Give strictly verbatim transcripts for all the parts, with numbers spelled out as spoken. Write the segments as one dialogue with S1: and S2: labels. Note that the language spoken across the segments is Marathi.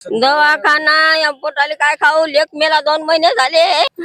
S1: दवाखाना या पोटाले काय खाऊ, लेक मेला दोन महिने झाले.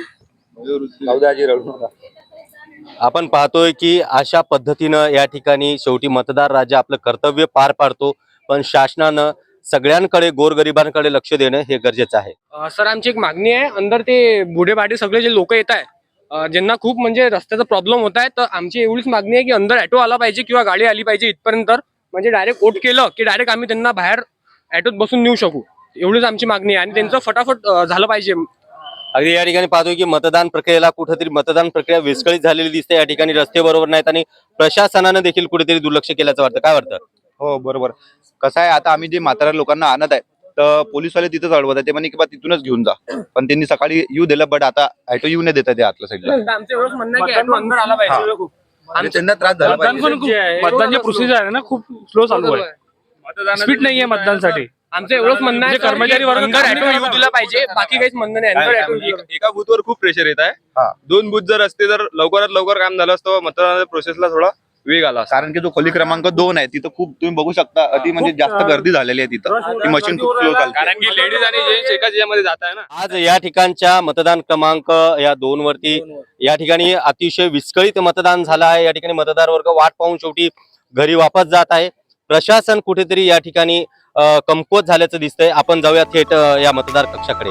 S2: आपण पाहतोय की अशा पद्धतीनं या ठिकाणी शेवटी मतदार राजा आपलं कर्तव्य पार पाडतो, पण शासनानं सगळ्यांकडे गोरगरिबांकडे लक्ष देणं हे गरजेचं आहे.
S3: सर आमची एक मागणी आहे, अंदर ते बुढेबाडे सगळे जे लोक येत आहे ज्यांना खूप म्हणजे रस्त्याचा प्रॉब्लेम होत आहे, तर आमची एवढीच मागणी आहे की अंदर ऑटो आला पाहिजे किंवा गाडी आली पाहिजे इथपर्यंत, म्हणजे डायरेक्ट वोट केलं की डायरेक्ट आम्ही त्यांना बाहेर ऑटोत बसून नेऊ शकू. एवढीच आमची मागणी आहे आणि त्यांचं फटाफट झालं पाहिजे.
S2: अगदी या ठिकाणी पाहतोय की मतदान प्रक्रियेला कुठेतरी मतदान प्रक्रिया विस्कळीत झालेली दिसते. या ठिकाणी रस्ते बरोबर नाहीत आणि प्रशासनानं देखील कुठेतरी दुर्लक्ष केल्याचं वाटतं. काय वाटतं?
S4: हो बरोबर. कसं आहे, आता आम्ही जे म्हाताऱ्या लोकांना आणत आहे तर पोलीसवाले तिथंच अडवत आहे. ते म्हणे की बा तिथूनच घेऊन जा, पण त्यांनी सकाळी येऊ दिलं, बट आता ऑटो येऊ नाही देतात ते आतल्या साईडला.
S3: आमचं एवढंच म्हणणं आहे की ऑटो अंदर आला पाहिजे.
S4: आणि त्यांना त्रास झाला पाहिजे.
S5: मतदानची प्रोसिजर आहे ना खूप स्लो चालू आहे, स्पीड नाहीये मतदानसाठी.
S3: आमचं एवढंच म्हणणं आहे कर्मचारी वर्ग अंदर ऑटो येऊ दिला पाहिजे, बाकी काहीच म्हणणं नाही. अंदर ऑटो
S6: एका बूथवर खूप प्रेशर येत आहे. दोन बूथ जर असते तर लवकरात लवकर काम झालं असतं, मतदानाच्या प्रोसेसला थोडा वेग आला.
S4: कारण की जो खोली क्रमांक दोन आहे तिथं खूप तुम्ही बघू शकता, अति म्हणजे जास्त गर्दी झालेली आहे तिथं. ती मशीन खूप स्लो चालते,
S6: कारण की लेडीज आणि जेंट्स एकाच याच्यामध्ये जात आहे ना.
S2: आज या ठिकाणच्या मतदान क्रमांक या दोन वरती या ठिकाणी अतिशय विस्कळीत मतदान झालं आहे. या ठिकाणी मतदार वर्ग वाट पाहून शेवटी घरी वापस जात आहे. प्रशासन कुठेतरी या ठिकाणी कमकुवत झाल्याचं दिसतंय. आपण जाऊया थेट या मतदार कक्षाकडे.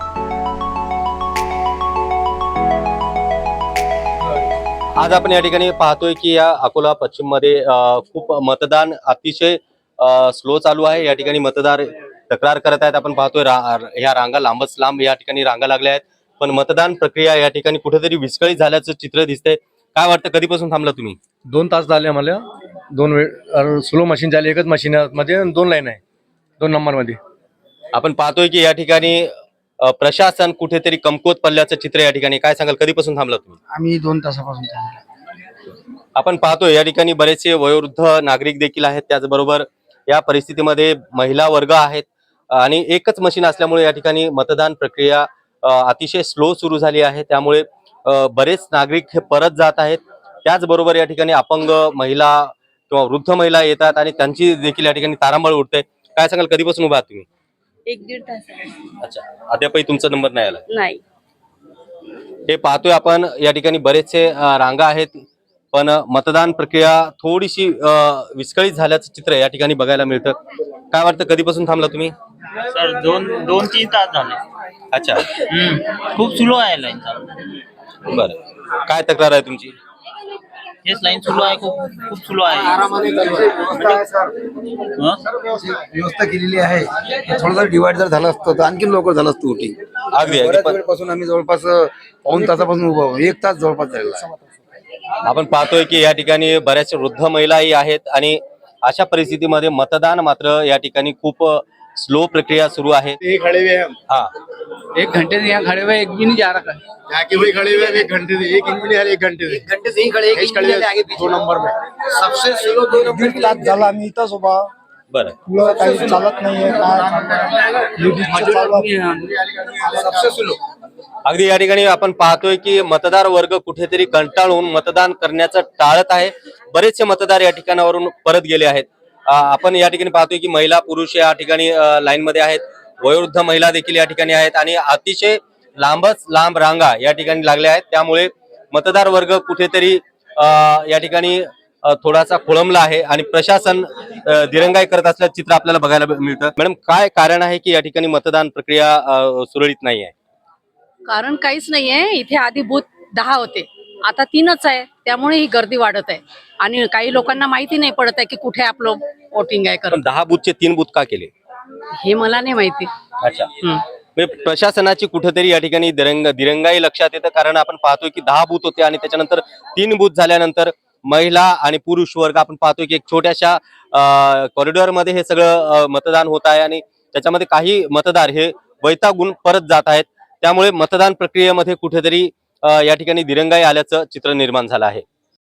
S2: आज आपण या ठिकाणी पाहतोय की या अकोला पश्चिम मध्ये खूप मतदान अतिशय स्लो चालू आहे. या ठिकाणी मतदार तक्रार करत आहेत. आपण पाहतोय ह्या रांगा लांबच लांब या ठिकाणी रांगा लागल्या आहेत, पण मतदान प्रक्रिया या ठिकाणी कुठेतरी विस्कळीत झाल्याचं चित्र दिसतंय. काय वाटतं, कधीपासून थांबला तुम्ही?
S5: दोन तास झाले आम्हाला. दोन वेळ स्लो मशीन झाली, एकच मशीन मध्ये दोन लाईन आहे, दोन नंबर मध्ये.
S2: आपण पाहतोय की या ठिकाणी प्रशासन कुठेतरी कमकुवत पडल्याचं चित्र या ठिकाणी. काय सांगाल, कधीपासून थांबला तुम्ही?
S7: आम्ही दोन तासापासून थांबलो.
S2: आपण पाहतोय या ठिकाणी बरेचसे वयोवृद्ध नागरिक देखील आहेत, त्याचबरोबर या परिस्थितीमध्ये महिला वर्ग आहेत आणि एकच मशीन असल्यामुळे या ठिकाणी मतदान प्रक्रिया अतिशय स्लो सुरू झाली आहे. त्यामुळे बरेच नागरिक हे परत जात आहेत. त्याचबरोबर या ठिकाणी अपंग महिला किंवा वृद्ध महिला येतात आणि त्यांची देखील या ठिकाणी तारांबळ उडते. काय सांगाल, कधीपासून उभा आहात तुम्ही?
S1: एक दीड तास.
S2: अच्छा, अद्यापही तुमचा नंबर नाही आला?
S1: नाही.
S2: हे पाहतोय आपण या ठिकाणी बरेचसे रांगा आहेत, पण मतदान प्रक्रिया थोडीशी विस्कळीत झाल्याचं चित्र या ठिकाणी बघायला मिळतं. काय वाटतं, कधीपासून थांबला तुम्ही?
S8: सर दोन दोन तीन तास झाले.
S2: अच्छा,
S8: खूप स्लो आहे लाईन.
S2: बरं, काय तक्रार आहे तुमची?
S8: हेच लाईन स्लो आहे, खूप खूप स्लो आहे.
S7: व्यवस्था केलेली आहे. थोडंसं डिवाइड जर झालं असतं तर आणखी लवकर झालं असतं वोटिंग.
S2: अगदी
S7: बऱ्याच वेळपासून आम्ही जवळपास पाऊण तासापासून उभा आहोत. एक तास जवळपास झालेला आहे.
S2: आपण पाहतोय की या ठिकाणी बऱ्याच वृद्ध महिलाही आहेत आणि अशा परिस्थितीमध्ये मतदान मात्र या ठिकाणी खूप स्लो प्रक्रिया सुरू आहे. हाँ,
S5: एक घंटे से यहाँ खड़े हुए, एक भी नहीं जा रहा है.
S7: यहाँ के वही खड़े हुए एक घंटे से, एक इंच भी नहीं आ रहा, एक घंटे से एक घंटे से ही खड़े, एक इंच भी आगे पीछे दो नंबर में सबसे स्लो दो नंबर की तास झाला. आम्ही इथंच उभा.
S2: बरं,
S7: पुढं काही चालत नाहीये, सबसे स्लो.
S2: अगदी या ठिकाणी आपण पाहतोय की मतदार वर्ग कुठेतरी कंटाळून मतदान करण्याचं टाळत आहे. बरेचसे मतदार या ठिकाणावरून परत गेले आहेत. आपण या ठिकाणी पाहतोय की महिला पुरुष या ठिकाणी लाईन मध्ये आहेत, वयोवृद्ध महिला देखील या ठिकाणी आहेत आणि अतिशय लांबच लांब रांगा या ठिकाणी लागल्या आहेत. त्यामुळे मतदार वर्ग कुठेतरी या ठिकाणी थोडासा खोळंबला आहे आणि प्रशासन दिरंगाई करत असल्याचं चित्र आपल्याला बघायला मिळतं. मॅडम, काय कारण आहे की या ठिकाणी मतदान प्रक्रिया सुरळीत नाही आहे?
S9: कारण काहीच नाहीये. इथे आधी बूथ दहा होते, आता तीनच आहे. त्यामुळे ही गर्दी वाढत आहे आणि काही लोकांना माहिती नाही पडत आहे की कुठे आपलं वोटिंग आहे. कारण
S2: दहा बूथचे तीन बूथ का केले
S9: हे मला नाही माहिती.
S2: अच्छा, प्रशासनाची कुठेतरी या ठिकाणी दिरंग दिरंगाई लक्षात येतं. कारण आपण पाहतोय की दहा बूथ होते आणि त्याच्यानंतर तीन बूथ झाल्यानंतर महिला आणि पुरुष वर्ग आपण पाहतोय की एक छोट्याशा कॉरिडॉर मध्ये हे सगळं मतदान होत आहे आणि त्याच्यामध्ये काही मतदार हे वैतागून परत जात आहेत. त्यामुळे मतदान प्रक्रियेमध्ये कुठेतरी या ठिकाणी दिरंगाई आल्याचं चित्र निर्माण झालं आहे.